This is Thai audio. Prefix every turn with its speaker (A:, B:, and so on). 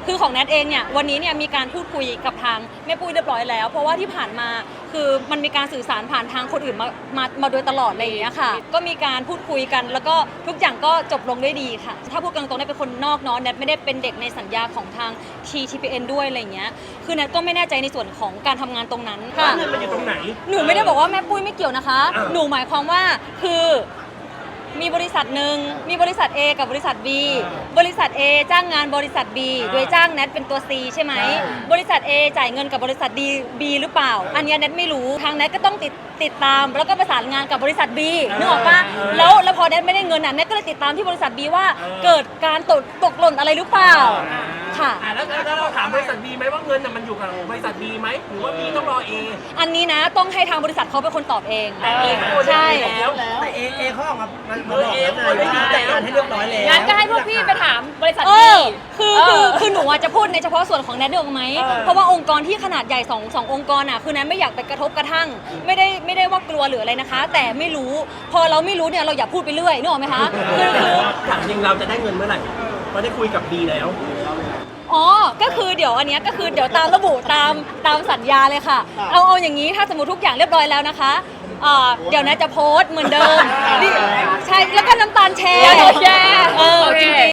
A: คือของแนทเองเนี่ยวันนี้เนี่ยมีการพูดคุยกับทางแม่ปุ้ยเรียบร้อยแล้วเพราะว่าที่ผ่านมาคือมันมีการสื่อสารผ่านทางคนอื่นมาโดยตลอดอะไรอย่างเงี้ยค่ะก็มีการพูดคุยกันแล้วก็ทุกอย่างก็จบลงด้วยดีค่ะถ้าพูดกันตรงๆแนทเป็นคนนอกเนาะแนทไม่ได้เป็นเด็กในสัญญาของทาง TPN ด้วยอะไรอย่างเงี้ยคือแนทก็ไม่แน่ใจในส่วนของการทำงานตรงนั้นค่ะ
B: เงินมันอยู่ตรงไหน
A: หนูไม่ได้บอกว่าแม่ปุ้ยไม่เกี่ยวนะคะหนูหมายความว่าคือมีบริษัทหนึ่งมีบริษัท A กับบริษัท B บริษัท A จ้างงานบริษัท B โดยจ้างแนทเป็นตัว C ใช่ไหมบริษัท A จ่ายเงินกับบริษัท B หรือเปล่าอันนี้แนทไม่รู้ทางแนทก็ต้องติดตามแล้วก็ประสานงานกับบริษัท B นึกออกปะแล้วพอแนทไม่ได้เงินน่ะแนทก็เลยติดตามที่บริษัท B ว่าเกิดการตกหล่นอะไรหรือเปล่าค่ะ
B: แล้วเราถามบริษัท B ไหมว่าเงินมันอยู่กับบริษัท B ไหมหรือว่า B ต้องรอ A
A: อันนี้นะต้องให้ทางบริษัทเขาเป็นคนตอบเองใช่
C: แต่เอเขาออกมาบอกแล้วไงว่าจัดการให้เรียบร้อยแล้ว
D: งั้นก็ให้พวกพี่ไปถามบริษัท
A: คือหนูจะพูดในเฉพาะส่วนของแนทเดียวไหมเพราะว่าองค์กรที่ขนาดใหญ่สององค์กรน่ะคือแนทไม่อยากไปกระทบกระทั่งไม่ได้ว่ากลัวหรืออะไรนะคะ แต่ไม่รู้พอเราไม่รู้เนี่ยเราอย่าพูดไปเรื่อยนึกออกไหมคะคือ
B: ถามจริงเราจะได้เงินเมื่อไหร่เพราะได้คุยกับ B แล้ว
A: อ๋อก็คือเดี๋ยวอันเนี้ยก็คือเดี๋ยวตามระบุตามสัญญาเลยค่ะเอาอย่างนี้ถ้าสมมติทุกอย่างเรียบร้อยแล้วนะคะเดี๋ยวแนทจะโพสต์เหมือนเดิมใช่แล้วก็น้ำตาลแชร์จริง